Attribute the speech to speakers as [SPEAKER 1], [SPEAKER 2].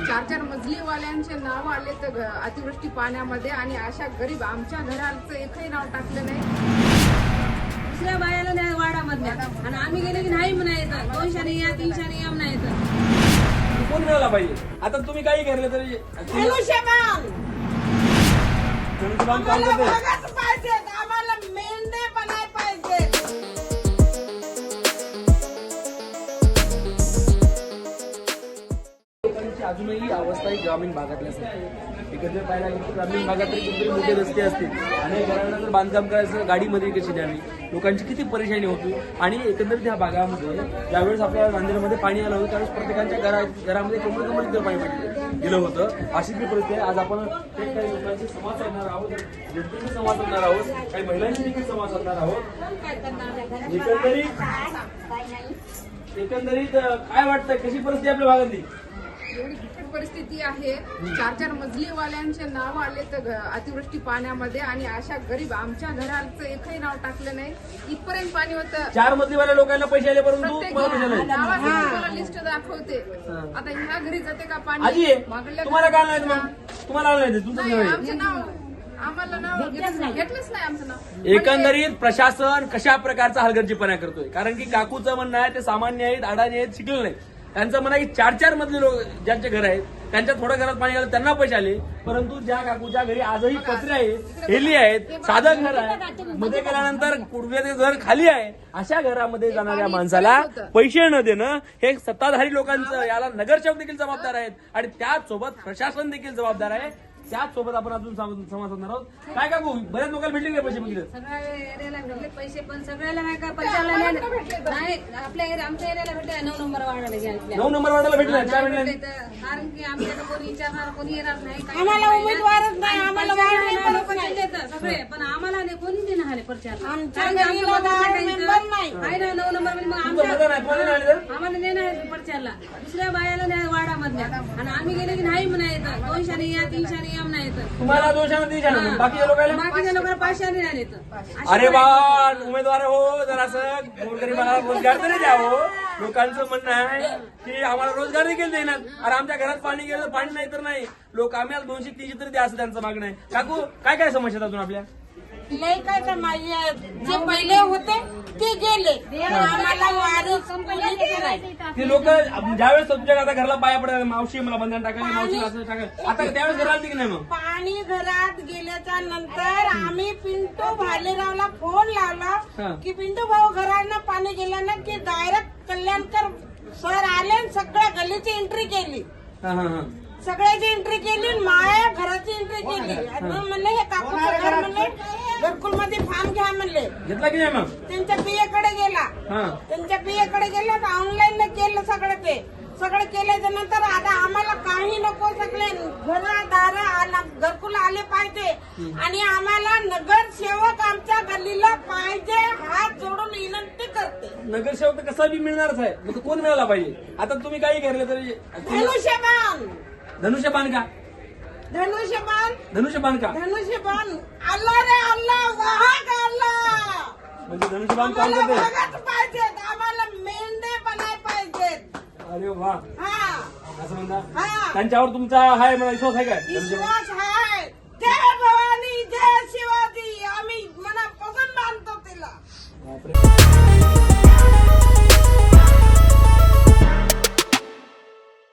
[SPEAKER 1] 4-4 मजलीवाल्यांचे नाव आले तर अतिवृष्टी पाण्यामध्ये, आणि अशा गरीब आमच्या घराचं एकही नाव टाकलं नाही.
[SPEAKER 2] दुसऱ्या बायाला नाही वाडामधल्या, आणि आम्ही गेले की नाही म्हणायचं 200 या 300 या म्हणायचं.
[SPEAKER 3] कोण मिळाला पाहिजे? आता तुम्ही काही करले तरी
[SPEAKER 4] धनुष्यबाण
[SPEAKER 3] काम करते.
[SPEAKER 4] पाहिजे, आम्हाला मेंढे बनाय पाहिजे.
[SPEAKER 3] लोकांची अजूनही अवस्था ही ग्रामीण भागातल्या असते. एकत्र पाहायला गेलं तर ग्रामीण भागात तरी कुठेतरी मोठे रस्ते असतील आणि घरांना जर बांधकाम करायचं गाडीमध्ये कशी न्यावी, लोकांची किती परेशानी होती. आणि एकंदरीत ह्या भागामध्ये ज्यावेळेस आपल्या नांदेडमध्ये पाणी आलं होतं त्यावेळेस प्रत्येकाच्या घरामध्ये कमरेकमर पाणी गेलं होतं. अशी ती परिस्थिती आहे. आज आपण काही लोकांशी संवाद साधणार आहोत, जनतेशी संवाद साधणार आहोत, काही महिलांशी देखील संवाद साधणार आहोत. एकंदरीत काय वाटतं, कशी परिस्थिती आपल्या भागातली?
[SPEAKER 1] एवढी बिकट परिस्थिती आहे. 4-4 मजलीवाल्यांचे नाव आले तर अतिवृष्टी पाण्यामध्ये, आणि अशा गरीब आमच्या घराचं एकही नाव टाकलं नाही. इथपर्यंत पाणी होतं.
[SPEAKER 3] 4 मजलीवाल्या लोकांना पैसे आले, परंतु
[SPEAKER 1] प्रत्येक
[SPEAKER 3] तुम्हाला पैसे नाही.
[SPEAKER 1] नावाची तुम्हाला लिस्ट दाखवते. आता ह्या घरी जाते का पाणी?
[SPEAKER 3] आजी
[SPEAKER 1] मागल्या
[SPEAKER 3] तुम्हाला काय
[SPEAKER 1] घरी
[SPEAKER 3] नाही, मग तुम्हाला आलं नाही, तुमचं
[SPEAKER 1] नाही,
[SPEAKER 3] घर आहे.
[SPEAKER 1] आमचं नाव आम्हाला नाव घेतलंच नाही आमचं नाव.
[SPEAKER 3] एकंदरीत प्रशासन कशा प्रकारचा हलगर्जीपणा करतोय? कारण की काकूचं म्हणणं आहे ते सामान्य आहेत, अडाणी आहेत, शिकले नाहीत. त्यांचं म्हणणं आहे की 4-4 मधले लोक ज्यांचे घर आहेत त्यांच्या थोड्या घरात पाणी आलं त्यांना पैसे आले, परंतु ज्या काकूच्या घरी आजही पत्रे आहेत, हेली आहेत, साधं घर आहे, मध्ये गेल्यानंतर पूर्वीचे घर खाली आहे, अशा घरामध्ये जाणाऱ्या माणसाला पैसे न देणं हे सत्ताधारी लोकांचं, याला नगरसेवक देखील जबाबदार आहेत आणि त्याचसोबत प्रशासन देखील जबाबदार आहे. त्याचसोबत आपण अजून संवाद साधणार आहोत. काय काकू, बऱ्याच लोकांना भेटले का पैसे? बघितलं
[SPEAKER 2] सगळ्या एरियाला भेटले पैसे, पण सगळ्याला नाही का पंचायला नाही. आपल्या आमच्या एरियाला भेटले 9 नंबर वाढायला घ्या.
[SPEAKER 3] 9 नंबर वार्डाला भेटले, काय भेटले?
[SPEAKER 2] कारण की आमच्याकडे कोणी विचारणार, कोणी येणार नाही.
[SPEAKER 4] आम्हाला उमेदवारच नाही, आम्हाला
[SPEAKER 2] लोक देतात सगळे, पण आम्हाला नाही कोणी देणार आले प्रचार.
[SPEAKER 4] आमच्या घरीला मेंबर नाही.
[SPEAKER 2] आहे ना 9 नंबर मध्ये, मग
[SPEAKER 3] तुमचं मतदान आहे, कोणाला नाही आलं?
[SPEAKER 2] आम्हाला देणार प्रचारला. दुसऱ्या बायाला नाही वाडामधल्या, आणि आम्ही गेले की नाही म्हणायचं 200 या 300 या म्हणायचं.
[SPEAKER 3] तुम्हाला 200 बाकी लोकांना?
[SPEAKER 2] बाकीच्या लोकांना 500 नाही येत.
[SPEAKER 3] अरे बा, उमेदवार हो, जरासं गोरगरिबाला रोजगार तरी द्यावं. लोकांचं म्हणणं आहे की आम्हाला रोजगार देखील देणार. अरे आमच्या घरात पाणी गेलं, पाणी नाही तर नाही, लोक आम्हाला 200-300 तरी द्या असं त्यांचं मागणं आहे. काकू काय काय समस्या अजून आपल्या?
[SPEAKER 4] लय काय तर माझी आहे. जे पहिले होते ते गेले, आम्हाला वारी
[SPEAKER 3] ते लोक ज्यावेळेस तुमच्या आता घराला पाया पडतात, मावशी मला बंधन टाकायला, मावशी असं टाकायला, आता त्यावेळेस घराला की नाही? मग
[SPEAKER 4] पाणी घरात गेल्याच्या नंतर आम्ही पिंटू भालेरावला फोन लावला की पिंटू भाऊ घरांना पाणी गेल्यानं की डायरेक्ट कल्याणकर सर आले आणि सगळ्या गल्लीची एंट्री केली. सगळ्याची एंट्री केली, माझ्या घराची एंट्री केली. म्हणले हे काकूचं घर म्हणले घरकुल मध्ये फॉर्म घ्या म्हणले.
[SPEAKER 3] घेतला की नाही? मग
[SPEAKER 4] त्यांच्या पियाकडे गेला, त्यांच्या पियाकडे गेला तर ऑनलाईन केलं सगळं. ते सगळं केल्याच्या नंतर आता आम्हाला काही नको, सगळे घरदार घरकुल आले पाहिजे आणि आम्हाला नगरसेवक आमच्या गल्लीला पाहिजे. हात जोडून विनंती करते.
[SPEAKER 3] नगरसेवक तर कसा बी मिळणारच आहे, मग कोण मिळाला पाहिजे? आता तुम्ही काही करले तरी
[SPEAKER 4] धनुष्यबाण
[SPEAKER 3] धनुष्यबाण का?
[SPEAKER 4] धनुष्यबाण
[SPEAKER 3] धनुष्यबाण का?
[SPEAKER 4] धनुष्यबाण अल्लाह रे अल्लाह, वाहक अल्लाह.
[SPEAKER 3] म्हणजे धनुष्यबाण काम
[SPEAKER 4] आम्हाला
[SPEAKER 3] करते.
[SPEAKER 4] वाघच पाहिजेत, आम्हाला मेंढे बनाय पाहिजेत.
[SPEAKER 3] अरे वा,
[SPEAKER 4] हा
[SPEAKER 3] असं म्हणता.
[SPEAKER 4] हा,
[SPEAKER 3] त्यांच्यावर तुमचा हाय मला विश्वास आहे काय?
[SPEAKER 4] विश्वास आहे. जय भवानी, जय शिवाजी, आम्ही मनापासून मानतो तिला.
[SPEAKER 3] बापरे.